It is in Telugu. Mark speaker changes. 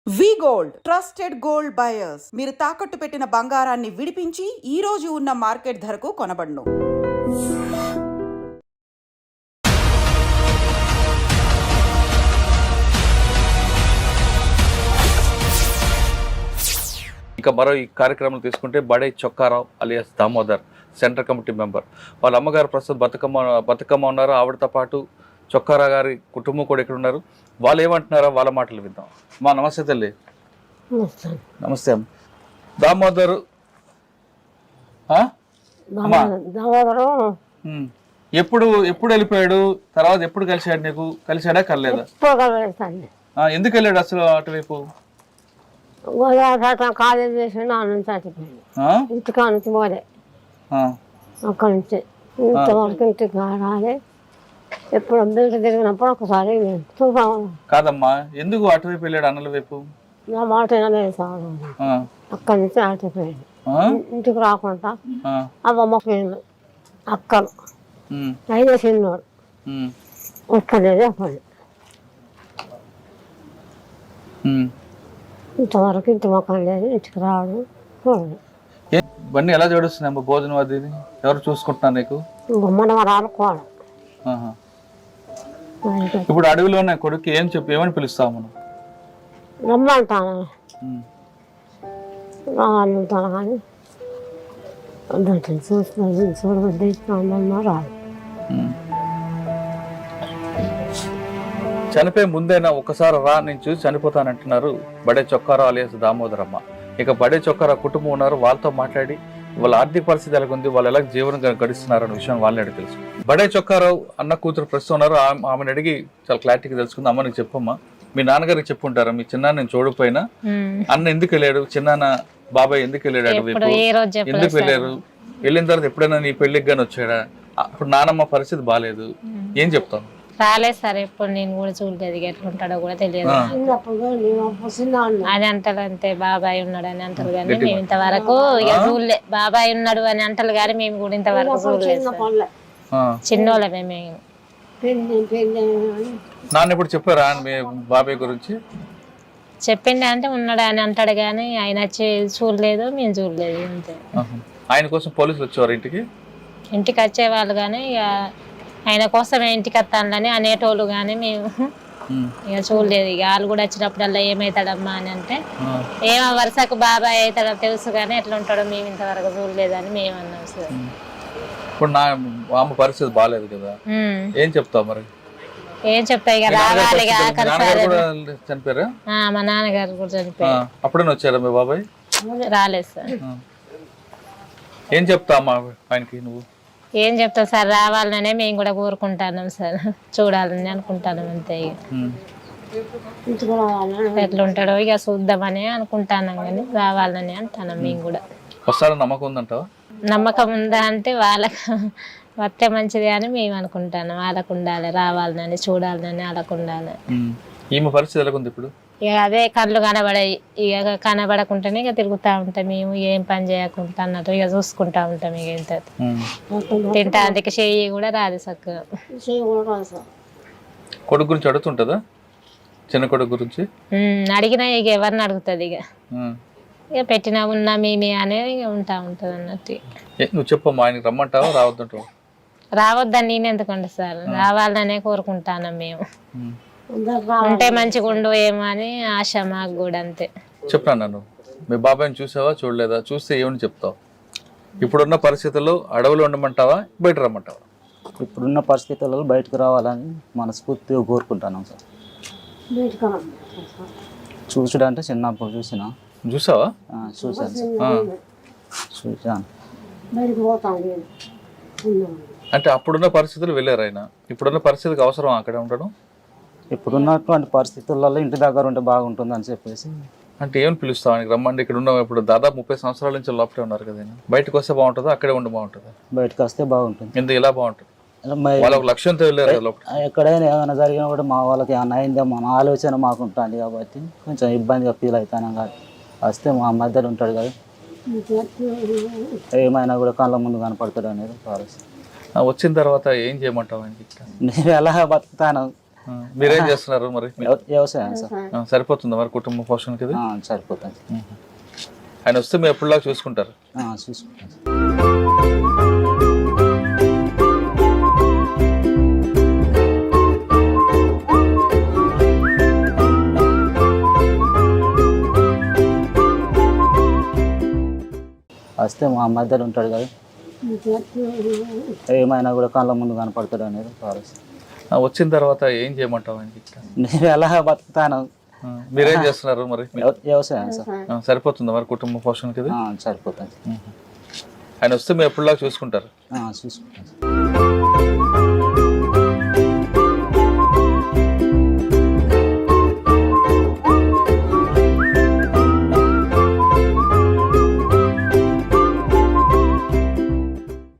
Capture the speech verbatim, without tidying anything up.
Speaker 1: వి గోల్డ్ ట్రస్టెడ్ గోల్డ్ బయర్స్ మీరు తాకట్టు పెట్టిన బంగారాన్ని విడిపించి ఈ రోజు ఉన్న మార్కెట్ ధరకు కొనబడును.
Speaker 2: ఇక మరో ఈ కార్యక్రమం తీసుకుంటే Bade Chokkarao alias Damodar central committee member. వాళ్ళ అమ్మగారు ప్రస్తుతం బతుకమ్మ బతుకమ్మ ఉన్నారు. ఆవిడతో పాటు చొక్కారా గారి కుటుంబం కూడా ఇక్కడ ఉన్నారు. వాళ్ళు ఏమంటున్నారో వాళ్ళ మాటలు విందాం. మా నమస్తే తల్లి. నమస్తే అమ్మ. దామోదరు ఎప్పుడు ఎప్పుడు వెళ్ళిపోయాడు? తర్వాత ఎప్పుడు కలిశాడు? నీకు కలిశాడా కలలేదా? ఎందుకు వెళ్ళాడు అసలు అటువైపు?
Speaker 3: కాలేజ్ చేసి ఇంటికా నుంచి పోలే, అక్కడి నుంచి ఇంతవరకు ఇంటికి రాలే. ఎప్పుడు బయట తిరిగినప్పుడు ఒకసారి
Speaker 2: కాదమ్మా, ఎందుకు అటువైపు వెళ్ళాడు అన్నల వైపు?
Speaker 3: నా మాట వినలేదు సార్. అక్కడి నుంచి ఆటిపోయాడు, ఇంటికి రాకుండా అవ్వమ్మ పోయింది. అక్కలు అయినా చిన్నోడు ఒక్కలేదు అప్పుడు. ఇంతవరకు ఇంటి మొక్కలు లేదు, ఇంటికి రావడం చూడదు.
Speaker 2: ఇవన్నీ ఎలా జోడిస్తున్నాయి భోజనం అది ఎవరు చూసుకుంటున్నారు నీకు?
Speaker 3: గుమ్మడి వరాలు కోడం.
Speaker 2: ఇప్పుడు అడవిలోనే కొడుకు ఏం చెప్పి ఏమని పిలుస్తావు మనం?
Speaker 3: రమ్మంటాను రావాలంటాను కానీ చూస్తున్నాను చూడబద్దిస్తున్నా రాదు.
Speaker 2: చనిపోయే ముందైనా ఒకసారి రా నేను చూసి చనిపోతానంటున్నారు బడే చొక్కారావు అలియాస్ దామోదరమ్మ. ఇక బడే చొక్కారావు కుటుంబం ఉన్నారు. వాళ్ళతో మాట్లాడి వాళ్ళ ఆర్థిక పరిస్థితి ఎలా ఉంది, వాళ్ళు ఎలా జీవనం గడిస్తున్నారు అన్న విషయం వాళ్ళని అడిగి తెలుసు. బడే చొక్కారావు అన్న కూతురు ప్రస్తుతం ఉన్నారు. ఆమెను అడిగి చాలా క్లారిటీగా తెలుసుకుంది. అమ్మ నీకు చెప్పమ్మా, మీ నాన్నగారికి చెప్పుంటారా మీ చిన్నాన్న నేను చూడకపోయినా అన్న ఎందుకు వెళ్ళాడు, చిన్నాన్న బాబాయ్ ఎందుకు వెళ్ళాడు అటువైపు, ఎందుకు వెళ్ళారు, వెళ్ళిన తర్వాత ఎప్పుడైనా నీ పెళ్లికి గాని వచ్చాడా? అప్పుడు నానమ్మ పరిస్థితి బాగాలేదు, ఏం చెప్తాను?
Speaker 4: రాలేదు సార్, ఎప్పుడు నేను కూడా చూడలేదు, ఎట్లుంటాడో కూడా తెలియదు. అది అంటారు అంతే, బాబాయ్ ఉన్నాడు అని అంటారు కానీ మేము ఇంతవరకు ఇక చూడలే. బాబాయ్ ఉన్నాడు అని అంటారు కానీ మేము కూడా ఇంతవరకు చూడలేదు. చిన్నోళ్ళమే మేము.
Speaker 2: నాన్న ఇప్పుడు చెప్పారా మీ బాబాయ్ గురించి?
Speaker 4: చెప్పిండే అంటే ఉన్నాడు అని అంటాడు కానీ ఆయన వచ్చి చూడలేదు, మేము చూడలేదు అంతే.
Speaker 2: ఆయన కోసం పోలీసులు వచ్చేవారు ఇంటికి?
Speaker 4: ఇంటికి వచ్చేవాళ్ళు కానీ ఇక ఆయన కోసమే ఇంటికి వస్తానని అనేటోళ్ళు కానీ మేము ఇక చూడలేదు. ఇక వాళ్ళు కూడా వచ్చినప్పుడల్లా ఏమవుతాడమ్మా అని అంటే ఏమో వరుసకు బాబాయ్ అవుతాడో తెలుసు కానీ ఎట్లా ఉంటాడో మేము ఇంతవరకు చూడలేదని మేము అన్నాం సార్.
Speaker 2: ఇప్పుడు నా అమ్మ పరిస్థితి బాగాలేదు కదా, ఏం చెప్తావు మరి?
Speaker 4: ఏం చెప్తా ఇక రావాలి.
Speaker 2: చనిపోయారా?
Speaker 4: మా నాన్నగారు కూడా చనిపోయారు.
Speaker 2: అప్పుడే వచ్చారా మీ బాబాయ్?
Speaker 4: రాలేదు సార్.
Speaker 2: ఏం చెప్తా అమ్మా ఆయనకి నువ్వు?
Speaker 4: ఏం చెప్తాం సార్, రావాలనే మేము కూడా కోరుకుంటున్నాం సార్, చూడాలని అనుకుంటాను అంతే. ఇక ఎట్లా ఉంటాడో ఇక చూద్దామని అనుకుంటున్నాం కానీ రావాలని అంటున్నాం మేము కూడా.
Speaker 2: వస్తారని నమ్మకం ఉందంటావా?
Speaker 4: నమ్మకం ఉందా అంటే వాళ్ళకు వస్తే మంచిది అని మేము అనుకుంటాను. వాళ్ళకు ఉండాలి, రావాలని చూడాలని వాళ్ళకు ఉండాలి.
Speaker 2: ఈమె పరిస్థితి ఎలా ఉంది ఇప్పుడు?
Speaker 4: ఇక అదే కళ్ళు కనబడాయి, ఇక కనబడకుండానే ఇక తిరుగుతూ ఉంటాం మేము, ఏం పని చేయకుండా అన్నట్టు ఇక చూసుకుంటా ఉంటాం. ఇక ఇంత తింటా అందుకే చెయ్యి కూడా రాదు చక్కగా.
Speaker 2: కొడుకు గురించి అడుగుతుంటదా? చిన్న కొడుకు గురించి
Speaker 4: అడిగినా ఇక ఎవరిని అడుగుతుంది, ఇక ఇక పెట్టినా ఉన్నా మేమే అనేది ఇక ఉంటా ఉంటుంది అన్నట్టు.
Speaker 2: నువ్వు చెప్పమ్మా, ఆయనకి రమ్మంటావా రావద్దంటావా?
Speaker 4: రావద్దని నేను ఎందుకంటే సార్, రావాలనే కోరుకుంటాను మేము. ఉంటే మంచిగా ఉండు ఏమో అని ఆశ మాకు కూడా అంతే.
Speaker 2: చెప్పాను నన్ను, మీ బాబాయ్ని చూసావా చూడలేదా? చూస్తే ఏమని చెప్తావు? ఇప్పుడున్న పరిస్థితుల్లో అడవులు ఉండమంటావా బయట రమ్మంటావా?
Speaker 5: ఇప్పుడున్న పరిస్థితుల్లో బయటకు రావాలని మనస్ఫూర్తిగా కోరుకుంటున్నాం సార్. చూసుడు అంటే చిన్నప్పుడు చూసిన.
Speaker 2: చూసావా?
Speaker 5: చూసాను సార్, చూసాను.
Speaker 2: అంటే అప్పుడున్న పరిస్థితులు వెళ్ళారు ఆయన, ఇప్పుడున్న పరిస్థితికి అవసరం అక్కడే ఉండడం?
Speaker 5: ఇప్పుడున్నటువంటి పరిస్థితులలో ఇంటి దగ్గర ఉంటే బాగుంటుంది అని చెప్పేసి.
Speaker 2: అంటే ఏమని పిలుస్తావు ఆయనకి రమ్మండి? ఇక్కడ ఉన్న ఇప్పుడు దాదాపు ముప్పై సంవత్సరాల నుంచి లోపలే ఉన్నారు కదా, బయటకు వస్తే బాగుంటుందా అక్కడే ఉండి బాగుంటుందా?
Speaker 5: బయటకు వస్తే బాగుంటుంది.
Speaker 2: ఎందుకు ఇలా బాగుంటుంది? వాళ్ళ ఒక లక్ష్యంతో వెళ్ళారు కదా.
Speaker 5: ఎక్కడైనా ఏమైనా జరిగినా కూడా మా వాళ్ళకి ఏమైనా అయిందో మన ఆలోచన మాకు ఉంటుంది కాబట్టి కొంచెం ఇబ్బందిగా ఫీల్ అవుతాను. కాదు వస్తే మా మధ్యలో ఉంటాడు కదా, ఏమైనా కూడా కళ్ళ ముందు కనపడతాడు అనేది ఆలోచన.
Speaker 2: వచ్చిన తర్వాత ఏం చేయమంటావు?
Speaker 5: నేను ఎలా బతుకుతాను
Speaker 2: ఆ, మీరేం చేస్తున్నారు మరి?
Speaker 5: వ్యవ- వ్యవసాయం సార్.
Speaker 2: ఆ, సరిపోతుందా మరి కుటుంబ పోషణకి ఇది?
Speaker 5: ఆ, సరిపోతుంది.
Speaker 2: ఆయన వస్తే మీరు ఎప్పుడులాగా చూసుకుంటారు?
Speaker 5: ఆ, చూసుకుంటాం సార్. వస్తే మా మధ్యలో ఉంటాడు కదా, ఏమైనా కూడా కళ్ళ ముందు కనపడతాడు అనేది ఆలోచన.
Speaker 2: ఆ, వచ్చిన తర్వాత ఏం చేయమంటావు ఆయనకి?
Speaker 5: నేను ఎలా బతుకుతాను.
Speaker 2: ఆ, మీరేం చేస్తున్నారు మరి?
Speaker 5: వ్యవ- వ్యవసాయం సార్.
Speaker 2: ఆ, సరిపోతుందా మరి కుటుంబ పోషణకి ఇది?
Speaker 5: ఆ, సరిపోతుంది.
Speaker 2: ఆయన వస్తే మీరు ఎప్పుడులాగా చూసుకుంటారు?
Speaker 5: ఆ, చూసుకుంటాం సార్.